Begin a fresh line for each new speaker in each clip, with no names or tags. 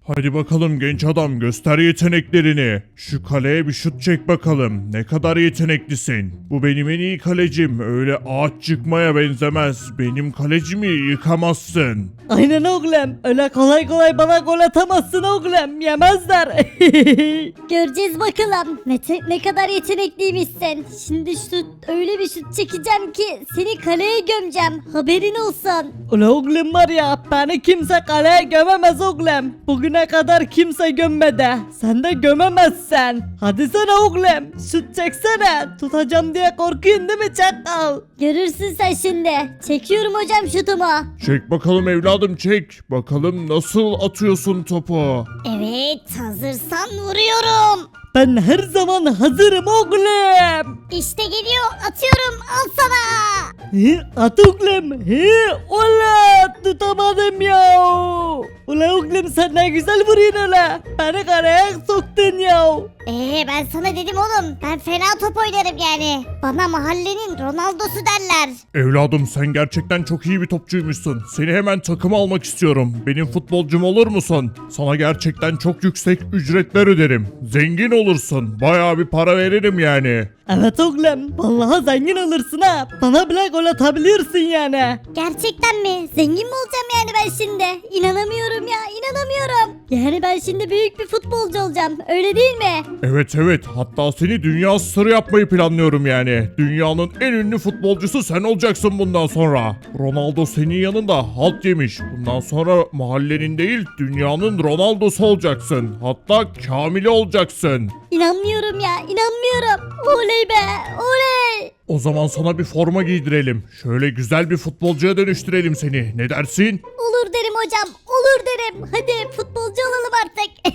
Hadi bakalım genç adam, göster yeteneklerini. Şu kaleye bir şut çek bakalım. Ne kadar yeteneklisin. Bu benim en iyi kalecim. Öyle ağaç çıkmaya benzemez. Benim kalecimi yıkamazsın.
Aynen oğlum. Öyle kolay kolay bana gol atamazsın oğlum. Yemezler.
Göreceğiz bakalım. Ne kadar yetenekliymişsin. Şimdi öyle bir şut çekeceğim ki seni kaleye gömeceğim. Haberin olsun.
Ula oğlum var ya, beni kimse kaleye gömemez oğlum. Bugüne kadar kimse gömmedi. Sen de gömemezsen. Hadi sen oğlum, şut çeksene. Tutacağım diye korkuyorsun değil mi çakal?
Görürsün sen şimdi. Çekiyorum hocam şutumu.
Çek bakalım evladım, çek. Bakalım nasıl atıyorsun topu.
Evet, hazırsan vuruyorum.
Ben her zaman hazırım oğlum.
İşte geliyor, atıyorum, al sana.
At oğlum. Ula tutamadım ya. Ula oğlum sen ne güzel vuruyorsun ula. Beni karaya soktun ya.
Ben sana dedim oğlum, ben fena top oynarım yani. Bana mahallenin Ronaldo'su derler.
Evladım sen gerçekten çok iyi bir topçuymuşsun. Seni hemen takıma almak istiyorum. Benim futbolcum olur musun? Sana gerçekten çok yüksek ücretler öderim. Zengin olursun. Bayağı bir para veririm yani.
Evet oğlum, vallahi zengin olursun ha. Bana bile gol atabilirsin yani.
Gerçekten mi? Zengin mi olacağım yani ben şimdi? İnanamıyorum ya, inanamıyorum. Yani ben şimdi büyük bir futbolcu olacağım, öyle değil mi?
Evet evet, hatta seni dünya starı yapmayı planlıyorum yani. Dünyanın en ünlü futbolcusu sen olacaksın bundan sonra. Ronaldo senin yanında halt yemiş. Bundan sonra mahallenin değil dünyanın Ronaldo'su olacaksın. Hatta Kamil'i olacaksın.
İnanmıyorum ya, inanmıyorum. Oley be, oley.
O zaman sana bir forma giydirelim. Şöyle güzel bir futbolcuya dönüştürelim seni. Ne dersin?
Olur derim hocam, olur derim. Hadi futbolcu olalım artık.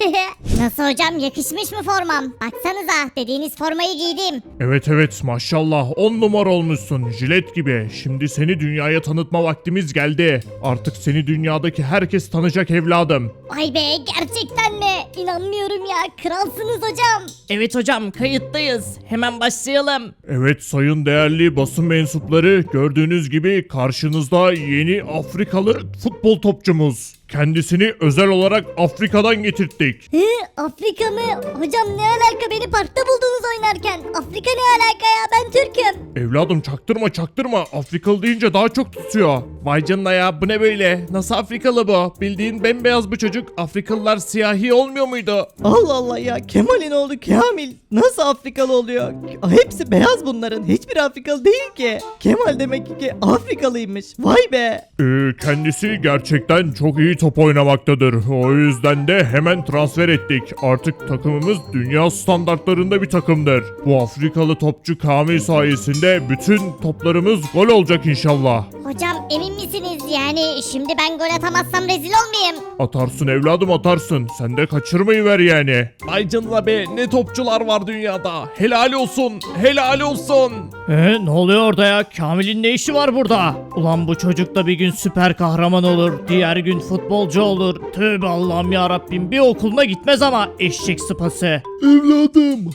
Nasıl hocam, yakışmış mı formam? Baksanıza, dediğiniz formayı giydim.
Evet evet, maşallah 10 numara olmuşsun, jilet gibi. Şimdi seni dünyaya tanıtma vaktimiz geldi. Artık seni dünyadaki herkes tanıyacak evladım.
Vay be, gerçekten mi? İnanmıyorum ya, kralsınız hocam.
Evet hocam, kayıttayız. Hemen başlayalım.
Evet sayın değerli basın mensupları, gördüğünüz gibi karşınızda yeni Afrikalı futbol topçumuz. Kendisini özel olarak Afrika'dan getirttik.
Afrika mı? Hocam ne alaka, beni parkta buldunuz oynarken. Afrika ne alaka ya, ben Türk'üm.
Evladım çaktırma, Afrikalı deyince daha çok tutuyor. Vay canına ya, bu ne böyle? Nasıl Afrikalı bu? Bildiğin bembeyaz bu çocuk. Afrikalılar siyahi olmuyor muydu?
Allah Allah ya, Kemal'in oğlu Kamil nasıl Afrikalı oluyor? Hepsi beyaz bunların. Hiçbir Afrikalı değil ki. Kemal demek ki Afrikalıymış. Vay be.
Kendisi gerçekten çok iyi top oynamaktadır. O yüzden de hemen transfer ettik. Artık takımımız dünya standartlarında bir takımdır. Bu Afrikalı topçu Kamil sayesinde bütün toplarımız gol olacak inşallah.
Hocam emin misiniz, yani şimdi ben gol atamazsam rezil olmayayım?
Atarsın evladım, atarsın. Sen de kaçırmayı ver yani.
Ay canına be, ne topçular var dünyada. Helal olsun, helal olsun.
Ne oluyor orada ya? Kamil'in ne işi var burada? Ulan bu çocuk da bir gün süper kahraman olur. Diğer gün futbolcu olur. Tövbe Allah'ım ya Rabbim, bir okuluna gitmez ama eşek sıpası.
Evladım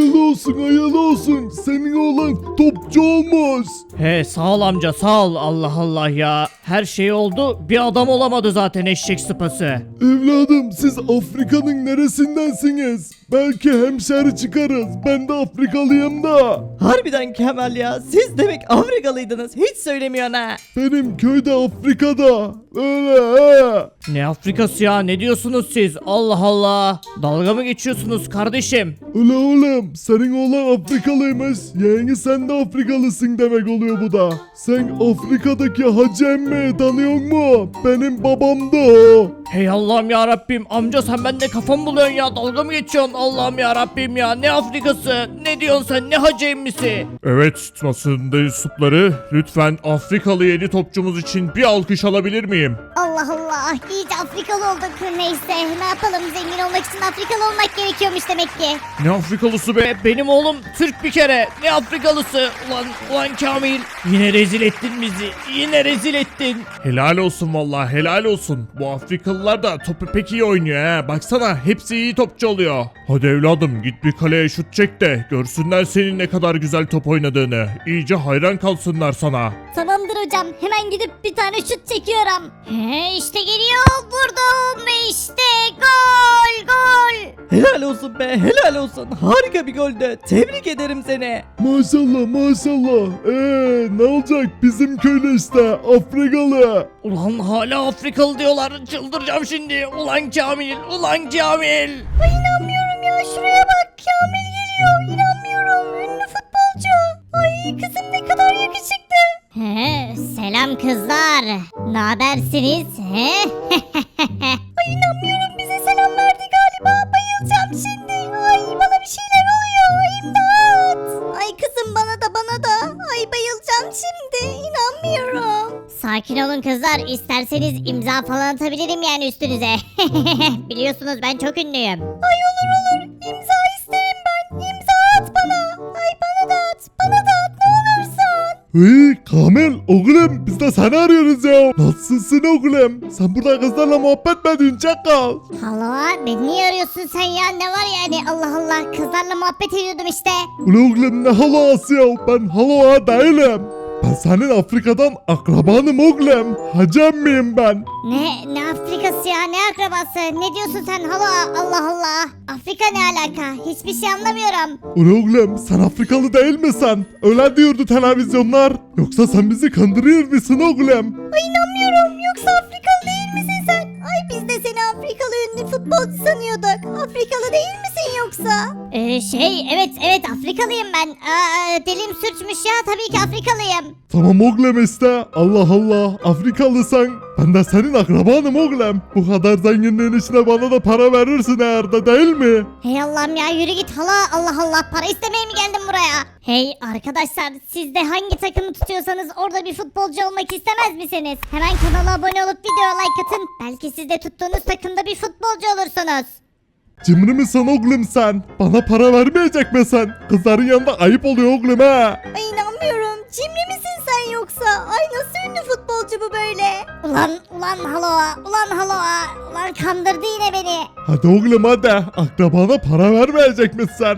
hayırlı olsun senin oğlan topçu olmuş.
He sağ ol amca, sağ ol. Allah Allah ya. Her şey oldu, bir adam olamadı zaten eşek sıpası.
Evladım siz Afrika'nın neresindensiniz? Belki hemşeri çıkarız, ben de Afrikalıyım da.
Harbiden Kemal ya, siz demek Afrikalıydınız, hiç söylemiyorsun ha.
Benim köyde Afrika'da öyle he.
Ne Afrikası ya, ne diyorsunuz siz? Allah Allah. Dalga mı geçiyorsunuz kardeşim?
Öyle oğlum senin oğlan Afrikalıymış, yeğeni sen de Afrikalısın demek oluyor bu da. Sen Afrika'daki Hacı Emmi'yi tanıyor mu? Benim babam da o.
Hey Allah'ım ya Rabbim, amca sen bende kafam buluyorsun ya, dalga mı geçiyorsun? Allah'ım ya Rabbim ya, ne Afrikası, ne diyorsun sen, ne Hacı Emmisi?
Evet basın mensupları, lütfen Afrikalı yeni topçumuz için bir alkış alabilir miyim?
Allah Allah, iyice Afrikalı olduk. Neyse, ne yapalım, zengin olmak için Afrikalı olmak gerekiyormuş demek ki.
Ne Afrikalısı be?
Benim oğlum Türk bir kere, ne Afrikalısı? Ulan Kamil, yine rezil ettin bizi, yine rezil ettin.
Helal olsun vallahi, helal olsun. Bu Afrikalılar da topu pek iyi oynuyor ha. Baksana hepsi iyi topçu oluyor. Hadi evladım git bir kaleye şut çek de görsünler senin ne kadar güzel top oynadığını. İyice hayran kalsınlar sana.
Tamamdır hocam, hemen gidip bir tane şut çekiyorum. İşte geliyor, vurdum ve işte
Helal olsun be, helal olsun. Harika bir goldü. Tebrik ederim seni.
Maşallah maşallah. Ne olacak bizim köylü işte Afrikalı.
Ulan hala Afrikalı diyorlar. Çıldıracağım şimdi. Ulan Kamil. Ulan Kamil.
Ay inanmıyorum ya, şuraya bak, Kamil geliyor, inanmıyorum, ünlü futbolcu. Ay kızım ne kadar yakışıklı. Selam kızlar, ne habersiniz? Ay inanmıyorum, bize selam verdi galiba, bayılacağım şimdi. Ay bana bir şeyler oluyor, imdat. Ay kızım bana da. Ay bayılacağım şimdi, inanmıyorum. Sakin olun kızlar, isterseniz imza falan atabilirim yani üstünüze. Biliyorsunuz ben çok ünlüyüm. Ay olur, imza isterim ben, imza at bana. Ay bana da at ne olursun.
Kamil oğlum biz de seni arıyoruz ya. Nasılsın oğlum? Sen burada kızlarla muhabbet mi ediyorsun çakal?
Hala beni niye arıyorsun sen ya, ne var yani, Allah Allah, kızlarla muhabbet ediyordum işte.
Ulan oğlum ne halası ya? Ben hala değilim. Ben senin Afrika'dan akrabanım oğlum. Hacem miyim ben?
Ne Afrikası ya, ne akrabası, ne diyorsun sen hala, Allah Allah. Afrika ne alaka, hiçbir şey anlamıyorum.
Ulan oğlum sen Afrikalı değil misin? Öyle diyordu televizyonlar. Yoksa sen bizi kandırıyor musun oğlum?
Ay inanmıyorum, yoksa Afrikalı değil misin sen? Ay biz de seni Afrikalı ünlü futbolcu sanıyorduk. Afrikalı değil misin yoksa? Evet Afrikalıyım ben. Dilim sürçmüş ya, tabii ki Afrikalıyım.
Tamam oğlum işte. Allah Allah. Afrikalıysan ben de senin akrabanım oğlum. Bu kadar zenginliğin içine bana da para verirsin eğer de değil mi?
Hey Allah'ım ya, yürü git hala, Allah Allah, para istemeye mi geldim buraya? Hey arkadaşlar, siz de hangi takımı tutuyorsanız orada bir futbolcu olmak istemez misiniz? Hemen kanala abone olup videoya like atın. Belki siz de tuttuğunuz takımda bir futbolcu olursunuz.
Cimri misin oğlum sen? Bana para vermeyecek misin? Kızların yanında ayıp oluyor oğlum ha.
Ay inanmıyorum. Cimri misin sen yoksa? Ay nasıl ünlü futbolcu bu böyle? Ulan Haloa. Ulan kandırdı yine beni.
Hadi oğlum hadi. Akrabana para vermeyecek misin?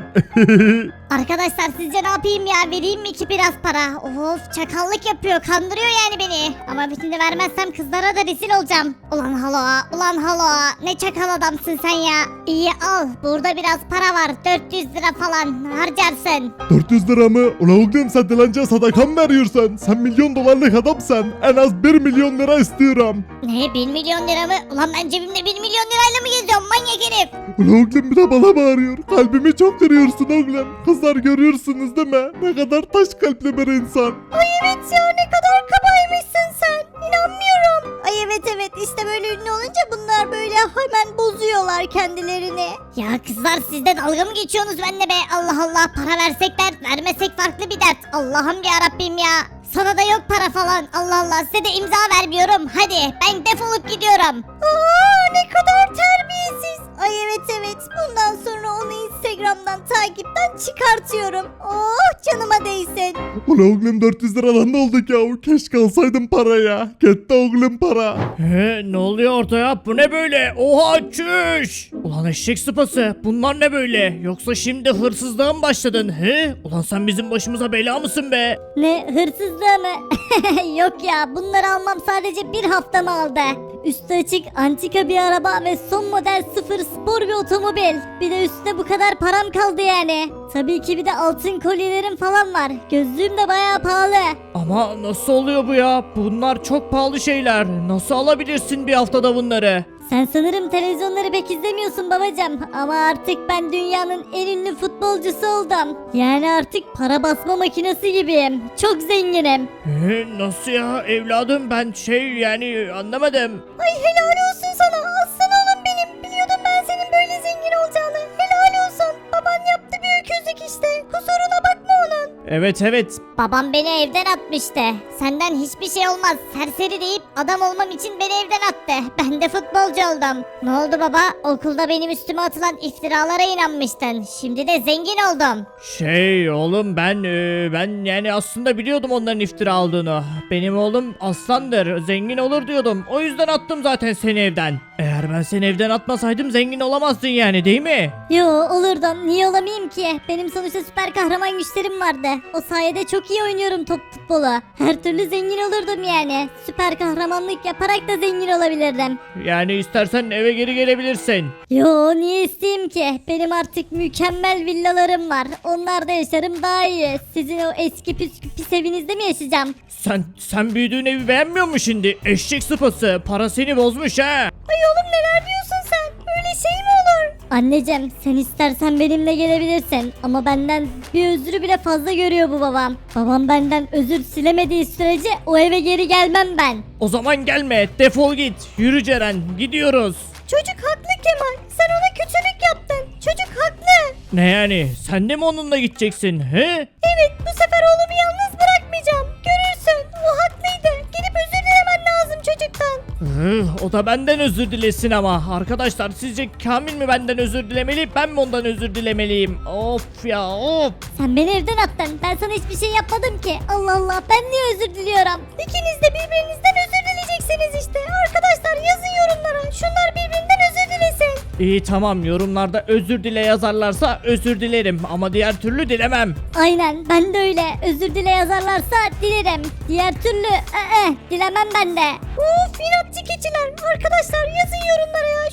Arkadaşlar sizce ne yapayım ya? Vereyim mi ki biraz para? Of, çakallık yapıyor. Kandırıyor yani beni. Ama bütünü vermezsem kızlara da rezil olacağım. Ulan Haloa. Ne çakal adamsın sen ya. İyi al. Burada biraz para var. 400 lira falan harcarsın.
400 lira mı? Ulan oğlum sen dilenciye sadaka mı veriyorsun? Sen milyon dolarlık adamsın. En az 1 milyon lira istiyorum.
Ne, 1 milyon lira mı? Ulan ben cebimde 1 milyon lirayla mı geziyorum manyak herif?
Ulan oğlum bir de bana bağırıyor. Kalbimi çok kırıyorsun oğlum. Kızlar görüyorsunuz değil mi? Ne kadar taş kalpli bir insan.
Ay evet ya, ne kadar kabaymışsın sen. İnanmıyorum. Ay evet işte böyle ünlü olunca bunlar böyle hemen bozuyorlar kendilerini. Ya kızlar, siz de dalga mı geçiyorsunuz benimle be? Allah Allah, para versek dert, vermesek farklı bir dert. Allah'ım ya Rabbim ya. Sana da yok para falan. Allah Allah, size de imza vermiyorum. Hadi ben defolup gidiyorum. Ne kadar terbiyesiz. Ay evet bundan sonra onu Instagram'dan takipten çıkartıyorum. Oh canıma değsin.
Ulan oğlum 400 liradan ne olduk ya? Keşke alsaydım paraya. Gitti oğlum para.
Ne oluyor orada ya? Bu ne böyle? Oha çüş! Ulan eşek sıpası. Bunlar ne böyle? Yoksa şimdi hırsızlığa mı başladın? Ulan sen bizim başımıza bela mısın be?
Ne, hırsızlığı mı? Yok ya, bunları almam sadece bir haftamı aldı. Üstü açık antika bir araba ve son model sıfır spor bir otomobil. Bir de üstüne bu kadar param kaldı yani. Tabii ki bir de altın kolyelerim falan var. Gözlüğüm de bayağı pahalı.
Ama nasıl oluyor bu ya? Bunlar çok pahalı şeyler. Nasıl alabilirsin bir haftada bunları?
Sen sanırım televizyonları pek izlemiyorsun babacım. Ama artık ben dünyanın en ünlü futbolcusu oldum. Yani artık para basma makinesi gibiyim. Çok zenginim.
Nasıl ya evladım, ben yani anlamadım.
Ay helal olsun sana, aslan oğlum benim. Biliyordum ben senin böyle zengin olacağını. Helal olsun. Baban yaptı bir öküzlük işte. Kusuruna bakma onun.
Evet.
Babam beni evden atmıştı. Senden hiçbir şey olmaz. Serseri deyip adam olmam için beni evden attı. Ben de futbolcu oldum. Ne oldu baba? Okulda benim üstüme atılan iftiralara inanmıştın. Şimdi de zengin oldum.
Oğlum ben yani aslında biliyordum onların iftira aldığını. Benim oğlum aslandır, zengin olur diyordum. O yüzden attım zaten seni evden. Eğer ben seni evden atmasaydım zengin olamazdın yani değil mi?
Yo olurdum. Niye olamayayım ki? Benim sonuçta süper kahraman güçlerim vardı. O sayede çok iyi oynuyorum futbolu. Her türlü zengin olurdum yani. Süper kahramanlık yaparak da zengin olabilirdim.
Yani istersen eve geri gelebilirsin.
Yo niye isteyeyim ki? Benim artık mükemmel villalarım var. Onlarda yaşarım daha iyi. Sizin o eski pis evinizde mi yaşayacağım?
Sen büyüdüğün evi beğenmiyor musun şimdi? Eşek sıpası para seni bozmuş ha.
Ay oğlum neler diyorsun sen? Öyle şey mi olur? Anneciğim sen istersen benimle gelebilirsin. Ama benden bir özrü bile fazla görüyor bu babam. Babam benden özür silemediği sürece o eve geri gelmem ben.
O zaman gelme defol git. Yürü Ceren gidiyoruz.
Çocuk haklı Kemal. Sen ona kötülük yaptın. Çocuk haklı.
Ne yani sen de mi onunla gideceksin he?
Evet bu sefer oğlumu yalnız bırakmayacağım. Görürsün o haklıydı. Gidip özür dilemen lazım çocuktan.
O da benden özür dilesin ama. Arkadaşlar sizce Kamil mi benden özür dilemeli ben mi ondan özür dilemeliyim? Of ya of.
Sen beni evden attın. Ben sana hiçbir şey yapmadım ki. Allah Allah ben niye özür diliyorum? İkiniz de birbirinizden özür dileyeceksiniz işte. Arkadaşlar yazın yorumlara. Şunlar birbirinden özür dilesin.
İyi tamam yorumlarda özür dile yazarlarsa özür dilerim ama diğer türlü dilemem.
Aynen ben de öyle. Özür dile yazarlarsa dilerim. Diğer türlü dilemem ben de. Uf inatçı keçiler. Arkadaşlar yazın yorumlara ya.